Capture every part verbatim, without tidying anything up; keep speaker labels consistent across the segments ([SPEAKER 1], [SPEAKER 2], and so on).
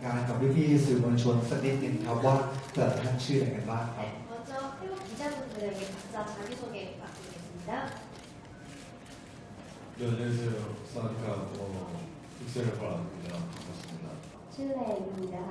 [SPEAKER 1] การกับพี่ๆสื่อมวลชนสักนิดนึงครับว่าแต่ละท่านชื่ออะไรกันบ้างครับ
[SPEAKER 2] 먼저 태국 기자분들에게 각자 자기소개 부탁드리겠습니다.
[SPEAKER 3] 네, 안녕하세요. 사와디카 어, 빅셀레퍼입니다. 반갑습니다.
[SPEAKER 2] ชื่อเลนนะคะ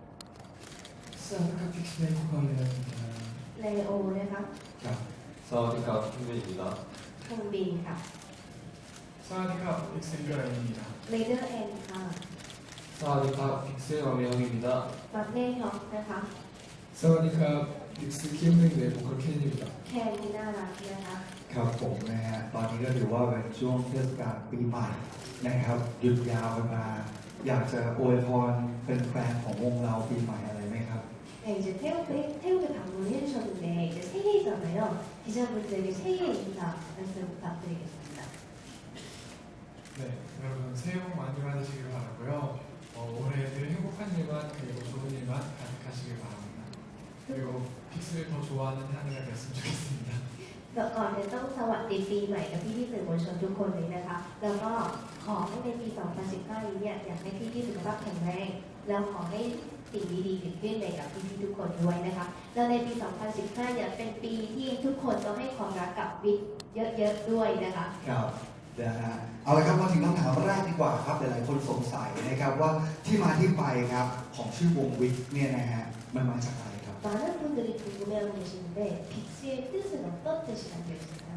[SPEAKER 4] 사와디카 픽스메이커입니다.
[SPEAKER 2] เลโอนะคะ
[SPEAKER 3] 사와디카 핑맨입니다.
[SPEAKER 2] คังบินค่ะ
[SPEAKER 4] 사와디카 픽스리라입니다.
[SPEAKER 2] เลเดอร์เอ็นค่ะ
[SPEAKER 3] 사와디카 빅셀 왕명입니다.
[SPEAKER 2] บัตเน่ฮอกนะคะ
[SPEAKER 4] 사와디카 픽스 키움뱅크의 보컬 켄입니다.
[SPEAKER 2] แคนที่น่ารักนะคะ
[SPEAKER 1] ครับผมนะฮะตอนนี้ก็ถือว่าเป็นช่วงเทศกาลปีใหม่นะครับหยุดยาวกันมาอยากจะอวยพรเป็นแฟนของวงเราปีใหม่อะไรไหมครับ
[SPEAKER 2] 네, 이제 태국에, 태국에 방문을 해주셨는데 이제 새해잖아요. 기자분들에게 새해 인사 말씀 부탁드리겠습니다.
[SPEAKER 4] 네, 여러분 새해 복 많이 받으시길 바라고요. 어, 올해 늘 행복한 일만 그리고 좋은 일만 가득하시길 바랍니다. 그리고 픽스를 더 좋아하는 한 해가 됐으면 좋겠습니다.
[SPEAKER 2] ก่อนจะต้องสวัสดีปีใหม่กับพี่ๆสื่อมวลชนทุกคนเลยนะคะแล้วก็ขอให้ในปี สองพันสิบห้า นี้เนี่ยอยากให้พี่ๆสุขภาพแข็งแรงแล้วขอให้สิ่งดีๆเกิดขึ้นในกับพี่ๆทุกคนด้วยนะคะแล้วในปี สองพันสิบห้า เนี่ยเป็นปีที่ทุกคนต้องให้ความรักกับวิกเยอะๆด้วยนะคะ
[SPEAKER 1] ครับนะฮะเอาละครับมาถึงคำถามแรกดีกว่าครับหลายๆคนสงสัยนะครับว่าที่มาที่ไปครับของชื่อวงวิกเนี่ยนะฮะมันมาจากอะไรครับ
[SPEAKER 2] 많은 분들이 궁금해하고 계시는데 빅스의 뜻은 어떤 뜻이 담겨 있나요?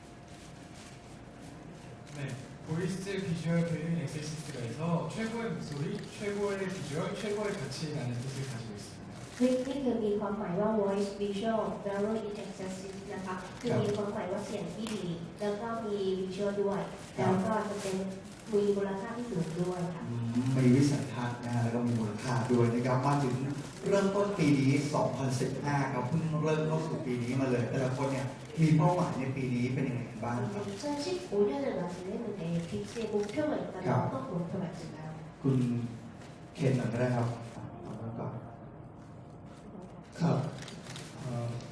[SPEAKER 4] 네, 보이스 비주얼 배우인 엑세시스트가 해서 최고의 목소리, 최고의 비주얼, 최고의 가치라는 뜻을 가지고 있습니다.
[SPEAKER 2] วิกนี่คือมีความหมายว่า voice visual value in excessive นะคะคือมีความหมายว่าเสียงที่ดีแล้วก็มี visual ด้วยแล้วก็จะเป็นมีมูลค่าที่สูงด้วยค่ะ
[SPEAKER 1] อืมมีวิสัยทัศน์นะฮะแล้วก็มีมูลค่าด้วยนะครับมาถึงเริ่มต้นปีนี้ สองพันสิบห้า ครับเพิ่งเริ่มเข้าสู่ปีนี้มาเลยแต่ละคนเนี่ยมีเป้าหมายในปีนี้เป็นยังไงกันบ้างครับ
[SPEAKER 2] 이천십오 년을 맞이했는데 빅스의 목표가 있다면 어떤 목표가 있을까요?
[SPEAKER 1] คุณเคนหน่อยก็ได้ครับเอาไว้ก่อน
[SPEAKER 4] 가. 어,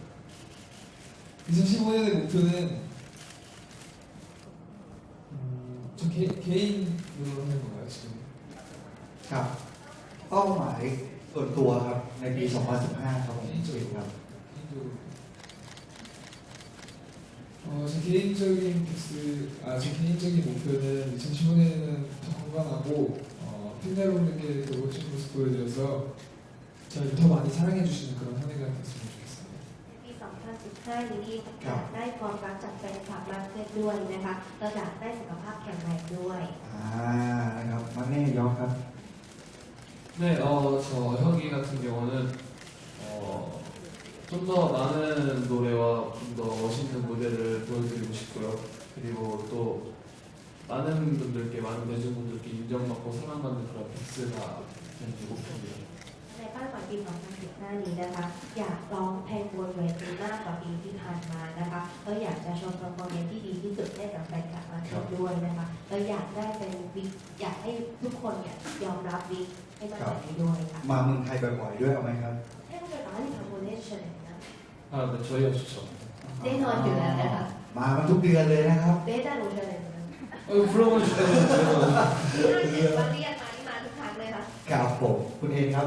[SPEAKER 4] 이천십오 년의 목표는 음, 저 개, 개인으로 하는 건가요 지금?
[SPEAKER 1] ครับเป้าหมายส่วนตัวครับในปี สองพันสิบห้า ครับผมจุ๋ยครับ
[SPEAKER 4] 개인적으로. 어, 제 개인적인 픽스, 아, 제 개인적인 목표는 이천십오 년에는 더 건강하고 어, 팬여러분들께 더 멋진 모습 보여드려서 저를 더 많이 사랑해주시는 그런 한 해가 됐으면 좋겠습니다.
[SPEAKER 2] ปี สองพันสิบห้า นี้อยากได้ความรักจากแฟนคลับมากขึ้นด้วยนะคะเราอยากได้สุขภาพแข็งแรงด้วย
[SPEAKER 1] อ่านะครับมาแน่ยอมครับ
[SPEAKER 3] 네, 어, 저 형이 같은 경우는 어, 좀 더 많은 노래와 좀 더 멋있는 무대를 보여드리고 싶고요. 그리고 또 많은 분들께, 많은 대중분들께 인정받고 사랑받는 그런 빅스가 되는 목표입니다.
[SPEAKER 2] ในเป้าหมายปี สองพันสิบห้า นี้นะคะอยากร้องเพลงบนเวทีมากกว่าปีที่ผ่านมานะคะแล้วอยากจะโชว์เพอร์ฟอร์แมนซ์ที่ดีที่สุดให้กับแฟนคลับมากขึ้นด้วยนะคะแล้วอยากได้เป็นวิกอยากให้ทุกคนเนี่ยยอมรับวิกให้มากกว่านี้ด้วยค่ะ
[SPEAKER 1] มาเมืองไทยบ่อยๆด้วยเอาไหมครับ
[SPEAKER 2] 태국에 많이 방문해주셨나요?
[SPEAKER 3] 아, 네, 저희가 좋죠.
[SPEAKER 2] 내년 유연하다.
[SPEAKER 1] มากันทุกเดือนเลยนะครับ
[SPEAKER 2] 매달 오셔야 되는.
[SPEAKER 3] 어, 불러봐 주시면 제가
[SPEAKER 2] 마리아 많이 많은 강래가.
[SPEAKER 1] ครับผมคุณเองครับ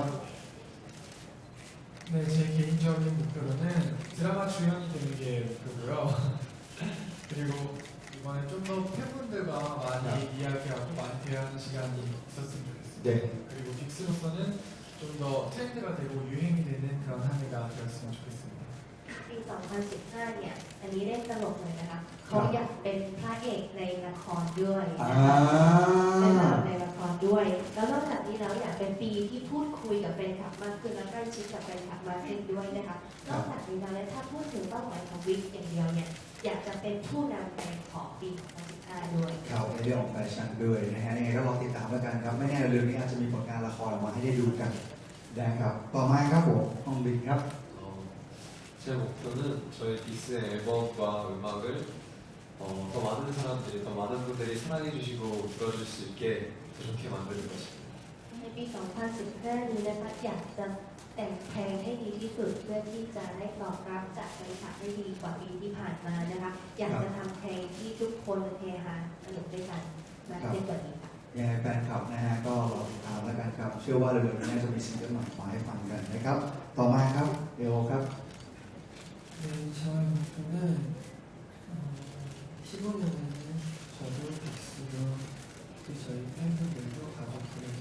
[SPEAKER 4] 네, 제 개인적인 목표로는 드라마 주연이 되는 게 목표고요. 그리고 이번에 좀 더 팬분들과 많이 이야기하고 많이 대화하는 시간이 있었으면 좋겠습니다.
[SPEAKER 1] 네.
[SPEAKER 4] 그리고 빅스로서는 좀 더 트렌드가 되고 유행이 되는 그런 한 해가 되었으면 좋겠습니다.
[SPEAKER 2] ปี สองพันสิบห้า เนี่ยอันนี้เล่นตลกเลยนะคะเขาอยากเป็นพระเอกในละครด้วย
[SPEAKER 1] อ่า
[SPEAKER 2] เป็นตลกในละครด้วย แล้วนอกจากนี้แล้วอยากเป็นปีที่พูดคุยกับแฟนคลับมากขึ้นและใกล้ชิดกับแฟนคลับมากขึ้นด้วยนะคะนอกจากนี้แล้วถ้าพูดถึงเป้าหมายของวิกอย่างเดียวเนี่ยอยากจะเป็นผู้นำในของปี สองพันสิบห้า ด้วย
[SPEAKER 1] ครับในเรื่องของแฟชั่นด้วยนะฮะยังไงก็รอติดตามแล้วกันครับไม่แน่เรื่องนี้อาจจะมีผลงานละครออกมาให้ได้ดูกันนะครับต่อมาครับผมน้องบินครับ
[SPEAKER 3] 어, 제 목표는 저희 빅스의 앨범과 음악을 어, 더 많은 사람들이, 더 많은 분들이 사랑해주시고 들어줄 수 있게 더 좋게 만드는 것입니다.
[SPEAKER 2] ในปี สองพันสิบห้า นี้นะคะอยากจะแต่งเพลงให้ดีที่สุดเพื่อที่จะได้ตอบรับจากแฟนคลับได้ดีกว่าปีที่ผ่านมานะคะอยากจะทำเพลงที่ทุกคนเฮฮาสนุกด้วยกันมากขึ้นกว่านี้ค่ะ
[SPEAKER 1] หยังไงแฟนคลับนะฮะก็รอติดตามแล้วกันครับเชื่อว่าเร็วๆนี้น่าจะมีซิงเกิลใหม่มาให้ฟังกันนะครับ ต่อมาครับเดี๋ยวครับ
[SPEAKER 4] 네, 저희 목표는 어, 십오 년에는 저도 빅스도 또 저희 팬분들도 가족들에게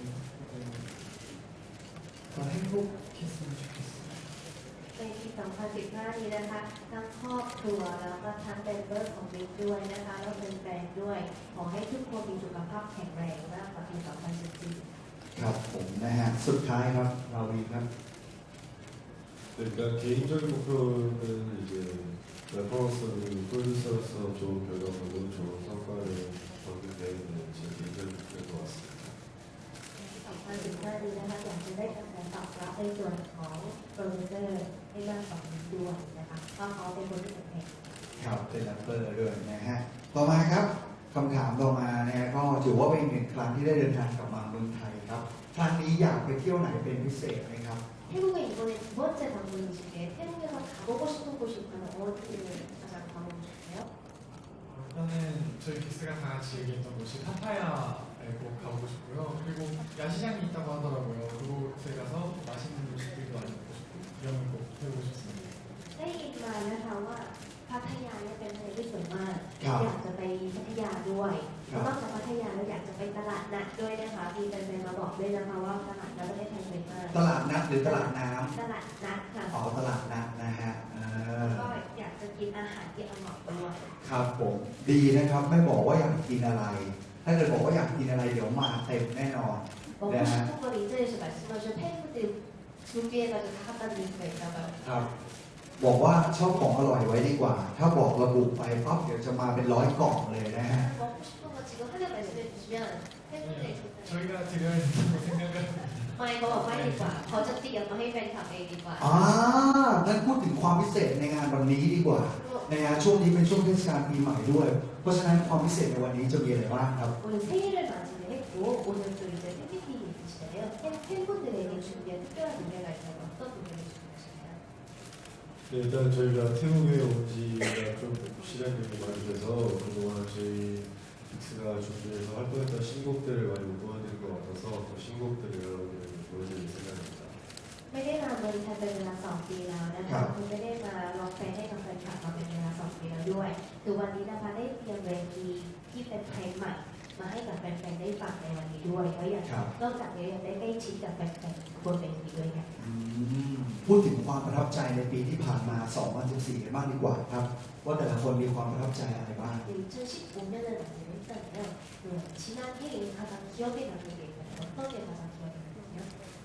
[SPEAKER 4] 더 행복했으면 좋겠어요.
[SPEAKER 2] ในปี สองพันสิบห้า นี้นะคะทั้งครอบครัวแล้วก็ทั้งเมมเบอร์ของบิ๊กด้วยนะคะแล้วเป็นแฟนด้วย ขอให้ทุกคนมีสุขภาพแข็งแรงมากกว่าปี สองพันสิบสี่
[SPEAKER 1] ครับผมนะฮะสุดท้ายครับเราวีครับ
[SPEAKER 5] 네, 일단 개인적인 목표는 이제 래퍼로서 그리고 프로듀서로서 좋은 결과물로 좋은 성과를 거두게 되는 제 개인적인 목표인 것 같습니다.
[SPEAKER 2] สองพันสิบห้า นี้นะคะอยากจะได้กระแสตอบรับในส่วนของโปรดิวเซอร์ให้มากกว่านี้ด้วยนะคะเพราะเขาเป็นคนที่แต่งเพลง
[SPEAKER 1] ครับเป็นแรปเปอร์ด้วยนะฮะต่อมาครับคำถามต่อมานะฮะก็ถือว่าเป็นอีกหนึ่งครั้งที่ได้เดินทางกลับมาเมืองไทยครับครั้งนี้อยากไปเที่ยวไหนเป็นพิเศษไหมครับ
[SPEAKER 2] 태국에 이번에 두 번째 방문이신데 태국에서 가보고 싶은 곳이 있다면 어디를 가장 가보고 싶으세요?
[SPEAKER 6] 일단은 저희 빅스가 다 같이 얘기했던 곳이 파타야에 꼭 가보고 싶고요. 그리고 야시장이 있다고 하더라고요. 그곳에 가서 맛있는 음식들도 많이 먹고 싶고 구경을 꼭 해보고 싶습니다.
[SPEAKER 2] ได้ยินมานะคะว่าพัทยาเนี่ยเป็นทะเลที่สวยมาก
[SPEAKER 1] ครับ
[SPEAKER 2] อยากจะไปพัทยาด้วย
[SPEAKER 1] ครับ
[SPEAKER 2] นอกจากพัทยาแล้วอยากจะไปตลาดนัดด้วยนะคะมีแฟนๆมาบอกด้วยนะคะว่าตลาดนัดประเทศไทยสวยมาก
[SPEAKER 1] ตลาดนัดหรือตลาดน้
[SPEAKER 2] ตลาดนัดค่ะ
[SPEAKER 1] ำอ๋อตลาดนัดนะฮะเออ
[SPEAKER 2] แล้วก็อยากจะกินอาหารที่อร่อยด้วย
[SPEAKER 1] ครับผมดีนะครับไม่บอกว่าอยากกินอะไร ถ้าเกิดบอกว่าอยากกินอะไรเดี๋ยวมาเต็มแน่นอน
[SPEAKER 2] 먹고 싶은 걸 이 자리에서 말씀하신 팬분들 준비해가지고 다 갖다 드릴 수가 있나봐요.
[SPEAKER 1] ครับ บอกว่าชอบของอร่อยไว้ดีกว่า ถ้าบอกระบุไปปั๊บเดี๋ยวจะมาเป็นร้อยกล่องเลยนะฮะ
[SPEAKER 2] 먹고 싶은 거 지금 하나 말씀해 주시면 팬분들이
[SPEAKER 6] 저희가 드려야 된다고 생각을
[SPEAKER 2] ไม่เขาบอกไม่ดีกว่าเขาจะเตรียมมาให้แฟนคลับเองดีกว่า
[SPEAKER 1] อ่างั้นพูดถึงความพิเศษในงานวันนี้ดีกว่านะฮะช่วงนี้เป็นช่วงเทศกาลปีใหม่ด้วย เพราะฉะนั้นความพิเศษในวันนี้จะมีอะไรบ้างครับ
[SPEAKER 2] 오늘 새해를 맞이를 했고 오늘 또 이제 팬미팅이 있으시잖아요. 팬, 팬분들에게 준비한 특별한 노래가 있다면 어떤 노래를 준비하시나요?
[SPEAKER 5] 네, 일단 저희가 태국에 온 지가 좀 시간이 많이 돼서 그동안 저희 빅스가 준비해서 활동했던 신곡들을 많이 못 보여드린 것 같아서 또 신곡들을 여러분들에게 보여드릴 생각입니다.
[SPEAKER 2] ไม่ได้มาเมืองไทยเป็นเวลาสองปีแล้วนะ
[SPEAKER 1] ครั
[SPEAKER 2] คะ
[SPEAKER 1] บ
[SPEAKER 2] คุณไม่ได้มาร้องเพลงให้กับแฟนคลับมาเป็นเวลาสองปีแล้วด้วยคือวันนี้นะคะได้เตรียมเวทีที่เป็นเพลงใหม่มาให้กับแฟนๆได้ฟังในวันนี้ด้วยแล้วอย่าง
[SPEAKER 1] ครับ
[SPEAKER 2] นอกจากนี้ยังได้ใกล้ชิดกับแฟนๆบนเวทีด้วยค่ะ
[SPEAKER 1] อืมพูดถึงความประทับใจในปีที่ผ่านมา สองพันสิบสี่ กันบ้างดีกว่าครับ ว่าแต่ละคนมีความประทับใจอะไรบ้าง
[SPEAKER 2] 이천십오 년을 맞이했다면 그 지난 해에 가장 기억에 남는 게 있나요? 어떤 게 가장 기억에 남으세요?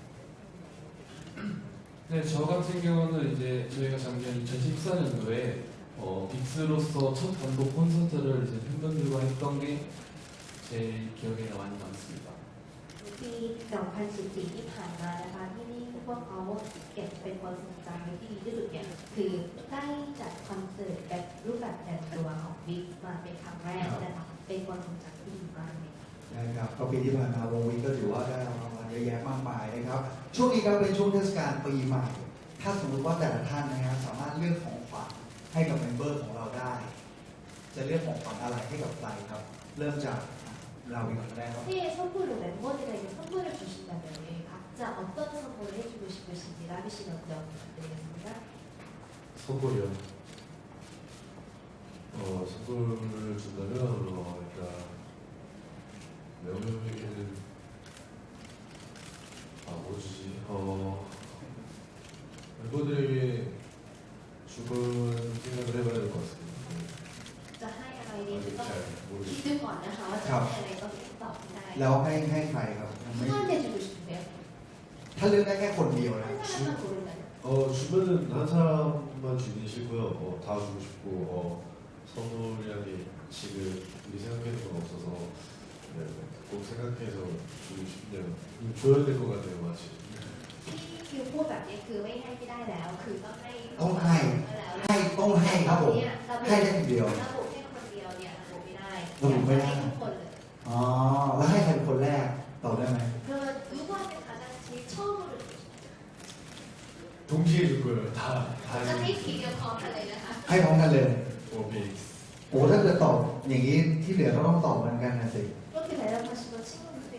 [SPEAKER 3] 네, 저 같은 경우는 이제 저희가 작년 이천십사 년도에 어, 빅스로서 첫 단독 콘서트를 이제 팬분들과 했던 게 제일 기억에 많이 남습니다.
[SPEAKER 2] ปี สองพันสิบสี่ ที่ผ่านมานะคะที่นี่พวกเขาเก็บเป็นความทรงจำที่ดีที่สุดเนี่ยคือได้จัดคอนเสิร์ตแบบรูปแบบแต่งตัวของบิ๊กมาเป็นครั้งแรกนะคะเป็นความทรงจำที่ดีมากเลย
[SPEAKER 1] นะครับก็ปีที่ผ่านมาวงวิกก็ถือว่าได้รางวัลเยอะแยะมากมายนะครับ ช่วงนี้ก็เป็นช่วงเทศกาลปีใหม่ ถ้าสมมติว่าแต่ละท่านนะครับสามารถเลือกของขวัญให้กับเมมเบอร์ของเราได้ จะเลือกของขวัญอะไรให้กับใครครับ เริ่มจากเราอีกคนแรกครับ
[SPEAKER 2] 새해 선물로 멤버들에게 선물을 주신다면 각자 어떤 선물을 해주고 싶으신지 라비 씨 먼저 부탁드리겠습니다.
[SPEAKER 5] 선물이요. 어, 선물을 준다면 어, 일단 명명에게는 아, 뭐 주지? 어, 멤버들에게 주은 생각을 해봐야 될 것 같습니다.
[SPEAKER 2] จะให้อะไรดี
[SPEAKER 5] 아직
[SPEAKER 2] ต้อง
[SPEAKER 5] 잘
[SPEAKER 2] คิด
[SPEAKER 5] 모르겠어요.
[SPEAKER 2] ดูก่อนนะคะว่าจะให้อะไรต้องตอบให้ได้
[SPEAKER 1] แล้วให้ให้ใครครับยังไม่
[SPEAKER 2] 누구한테 주고 싶으세요?
[SPEAKER 1] ถ้าเลือกได้แค่คนเดียวนะ
[SPEAKER 2] 한 사람만 고른다면
[SPEAKER 5] 어, 주면은 한 사람만 주긴 싫고요. 어, 다 주고 싶고 어, 선물이라니 지금 미리 생각해둔 건 없어서 네, 꼭 생각해서 주고 싶네요. 음, 줘야 될 것 같아요, 마치.
[SPEAKER 2] ที่คิวพูดแบบนี้คือไม่ให้ไม่ได้แล้ว คือต้องให้
[SPEAKER 1] ต้องให้
[SPEAKER 2] แล้ว
[SPEAKER 1] ให้ต้องให้ครับผม
[SPEAKER 2] เนี่ยระบุ
[SPEAKER 1] ให้ได้คนเดียว
[SPEAKER 2] ระบุแค่คนเดียวเนี่ยระบุไม่ได้
[SPEAKER 1] ระบุไม่ได้
[SPEAKER 2] อยากจะให้ทุกคนเลย
[SPEAKER 1] อ๋อ แล้วให้ใครเป็นคนแรกตอบได้ไหม
[SPEAKER 2] 그러면 누구한테 가장 제일 처음으로 주고 싶어요?
[SPEAKER 5] 동시에 줄 거예요. 다.
[SPEAKER 2] จะ
[SPEAKER 5] 다
[SPEAKER 2] ให้
[SPEAKER 5] 해주고
[SPEAKER 2] ทีเดียวพร้อมกันเลยนะคะ
[SPEAKER 1] ให้พร้อมกันเลย
[SPEAKER 5] 오케이.
[SPEAKER 1] โอ้ถ้าเกิดตอบอย่างนี้ที่เหลือก็ต้องตอบเหมือนกันนะสิ
[SPEAKER 2] 그렇게 대답하시면 친구들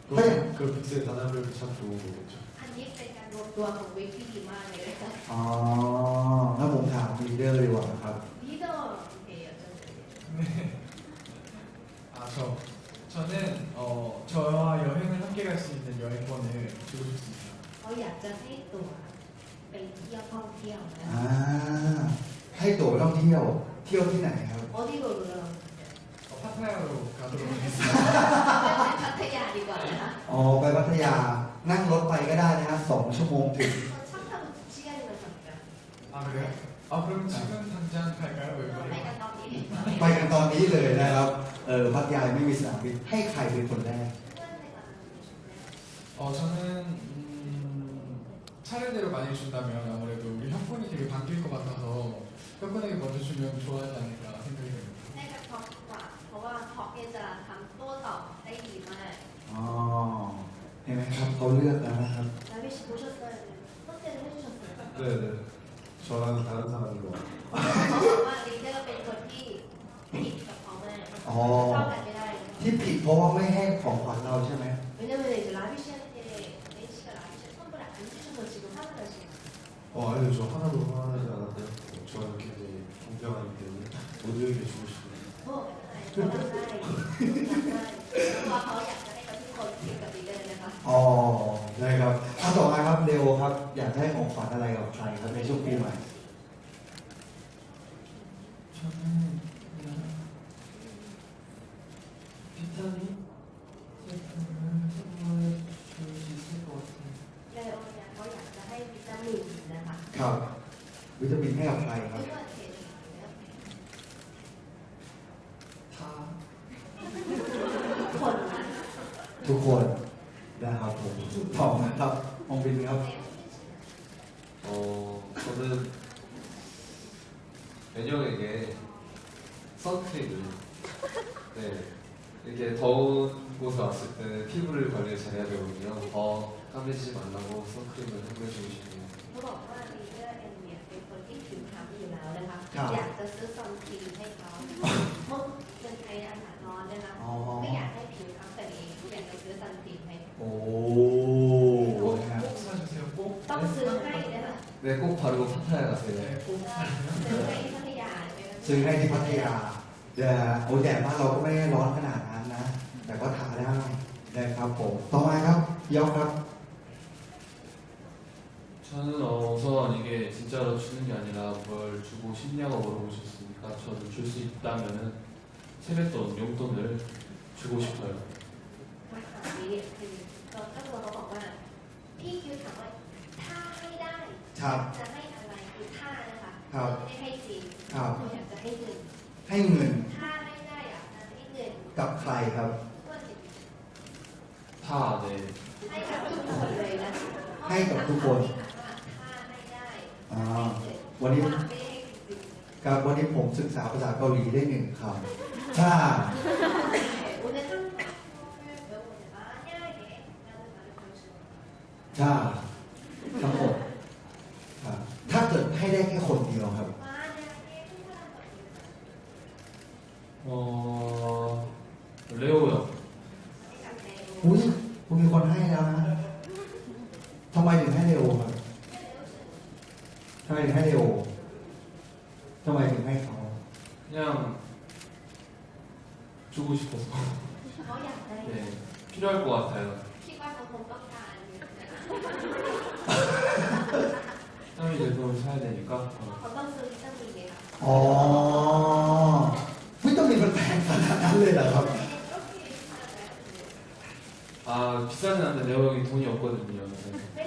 [SPEAKER 5] 그, 그 빅스의 단합력이 참 좋은 거겠죠.
[SPEAKER 2] อันนี้เป็นการรวมตัวของวิกที่ดีมากเลยนะคะ
[SPEAKER 1] อ๋อถ้าผมถามลีดเดอร์เลยดีกว่าครับ
[SPEAKER 2] 리더에게 여쭤볼게요.
[SPEAKER 6] 네. 아, 저, 저는, 어, 저와 여행을 함께 갈 수 있는 여행권을 주고 싶습니다.
[SPEAKER 2] เขาอยากจะให้ตั๋วไปเที่ยวท่องเที่ยวนะ
[SPEAKER 1] อ่า ให้ตั๋วไปท่องเที่ยว เที่ยวที่ไหนครับ
[SPEAKER 2] โอที่โรโร
[SPEAKER 6] 어, 파타야로 가도록 하겠습니다.
[SPEAKER 2] ไปพัทยาดีกว่านะคะ
[SPEAKER 1] อ๋อ ไปพัทยา นั่งรถไปก็ได้นะฮะสองชั่วโมงถึง
[SPEAKER 2] 차 타고 시간이면 잠깐.
[SPEAKER 6] 아, 그래요? 아, 그럼 지금 당장 갈까요? 왜
[SPEAKER 2] ไป
[SPEAKER 6] 그래요?
[SPEAKER 2] กันตอนนี้
[SPEAKER 1] ไปกันตอนนี้เลยนะครับ เออ พัทยาไม่มีสนามบิน ให้ใครเป็นคนแรก
[SPEAKER 6] 어, 저는, 음, 차례대로 많이 준다면 아무래도 우리 형권이 되게 바뀔 것 같아서 형권에게 먼저 주면 좋아하지 않을까 생각이 듭니다.
[SPEAKER 2] ให้กับท็อปดีกว่า เพราะว่าท็อปเนี่ยจะทำโต้ตอบได้ดีมาก
[SPEAKER 1] อ๋อ เห็นไหมครับเขาเลือกแล้วนะครับ
[SPEAKER 2] แล้วพี่ชิโชเซอร์ต้องเจอให้ชิโชเซอร์
[SPEAKER 5] 네네. 저랑은 다른 사람인 것 같아요.
[SPEAKER 2] เขาบอกว่าลีดเดอร์เป็นคนที่ผิดกับเขามาก
[SPEAKER 1] อ๋อ
[SPEAKER 2] เข้ากันไม่ได้
[SPEAKER 1] ที่ผิดเพราะว่าไม่ให้ของขวัญเราใช่ไหม
[SPEAKER 2] 왜냐면 이제 라비씨한테 N씨가 라비씨 선물을 안 주셔서 지금 화가 나시는
[SPEAKER 5] 어, 아니요. 저 하나도 화나지 않았고요. 저는 굉장히 공평하기 때문에 모두에게 주고 싶어요.
[SPEAKER 2] โอ้ไม่เป็นไรเขาทำได้เพราะเขาอยากจะให้กับทุกคนผิดกับลีดเดอร์นะคะ
[SPEAKER 1] อ๋อนะครับถ้าต่อมาครับเดวครับ อยากได้ของขวัญอะไรกับใครครับในช่วงปีใหม่
[SPEAKER 3] 저는 그냥 비타민 제품을 선물해 줄 수 있을 것 같아요.
[SPEAKER 2] เลโอเนี่ยเขาอยากจะให้วิตามินนะคะ
[SPEAKER 1] ครับ วิตามินให้กับใครครับ
[SPEAKER 2] ไม่ว่าเทนหรือ
[SPEAKER 3] 다
[SPEAKER 2] คนนะ
[SPEAKER 1] ทุกคนนะครับผมต่อมาครับมองบินครับ
[SPEAKER 7] 어, 저는 은영에게 선크림을 네, 이렇게 더운 곳에 왔을 때 피부를 관리를 잘해야 되거든요. 더 까매지지 말라고 선크림을 선물해주고 싶네요.
[SPEAKER 2] เขาบอกว่าลีดเดอร์เอ็นเนี่ยเป็นคนที่ผิวคล้ำอยู่แล้วนะคะ
[SPEAKER 1] ครับ
[SPEAKER 2] อยากจะซื้อซันสกรีนให้เขาเพราะเมืองไทยอากาศร้อนนะคะ
[SPEAKER 1] อ๋อ
[SPEAKER 2] ไม่อยากให้ผิวคล้ำกันเองอยากจะซื้อซันสกรีนให้
[SPEAKER 1] โอ้นะครับ
[SPEAKER 6] 꼭 사주세요. 꼭.
[SPEAKER 2] ต้องซื้อให้นะคะ
[SPEAKER 7] 네, 꼭 바르고 파타야 가세요.
[SPEAKER 6] 네, 꼭
[SPEAKER 2] ซื้อให้ที่พัทยาเลยนะ
[SPEAKER 1] ซื้อให้ที่พัทยาเดี๋ยวโอ้แดดบ้านเราก็ไม่ได้ร้อนขนาดนั้นนะ แต่ก็ทาได้นะครับผม ต่อมาครับยอกครับ
[SPEAKER 3] 저는 어, 우선 이게 진짜로 주는 게 아니라 뭘 주고 싶냐고 물어보셨으니까 저는 줄 수 있다면은 세뱃돈, 용돈을 주고 싶어요.
[SPEAKER 2] คำถามนี้คือตอนเจ้าตัวเขาบอกว่าพี่คิวถามว่าถ้าให้ได้
[SPEAKER 1] ครับ
[SPEAKER 2] จะให้อะไรคือถ้านะคะ
[SPEAKER 1] ครับ
[SPEAKER 2] ไม่ได้ให้จริง
[SPEAKER 1] ครับ
[SPEAKER 2] หนูอยากจะให้เงิน
[SPEAKER 1] ให้เงิน
[SPEAKER 2] ถ้าให้ได้อะจะให้เงิน
[SPEAKER 1] กับใครครับ
[SPEAKER 2] ก็จะ
[SPEAKER 3] 다 네.
[SPEAKER 2] ให้กับทุกคนเลยนะ
[SPEAKER 1] ให้กับทุกคน
[SPEAKER 2] ถ้าให้ได้
[SPEAKER 1] อ่า
[SPEAKER 2] ให้เงิน
[SPEAKER 1] วันนี้
[SPEAKER 2] ถ้าไม่ได้จริง
[SPEAKER 1] ครับวันนี้ผมศึกษาภาษาเกาหลีได้หนึ่งคำถ้า
[SPEAKER 2] ๆ 오늘 한국어를 배우는 만약에 라는 말을 배우시는
[SPEAKER 1] ถ้าทั้งหมดครับถ้าเกิดให้ได้แค่คนเดียวครับ
[SPEAKER 2] 만약에 한 사람밖에
[SPEAKER 3] 어, 레오 형.
[SPEAKER 2] ให้กับใน
[SPEAKER 1] อุ้ยคุณมีคนให้แล้วนะทำไมถึงให้เร็วครับทำไมถึงให้เร็วทำไมถึงให้เขา
[SPEAKER 3] 그냥 주고 싶어서.
[SPEAKER 2] เขาอยากได้
[SPEAKER 3] 네, 필요할 것 같아요.
[SPEAKER 2] คิดว่าเขาคงต้องการอยู่นะ
[SPEAKER 3] 땀이 제품을 사야 되니까.
[SPEAKER 2] เพราะ
[SPEAKER 3] 어,
[SPEAKER 2] เขาต้องซื้อวิตามินไงคะ
[SPEAKER 1] อ๋อวิตามินมันแพงขนาดนั้นเลยเหรอครับ
[SPEAKER 3] 아 비싸진 않는데 레오 형이 돈이 없거든요. 네.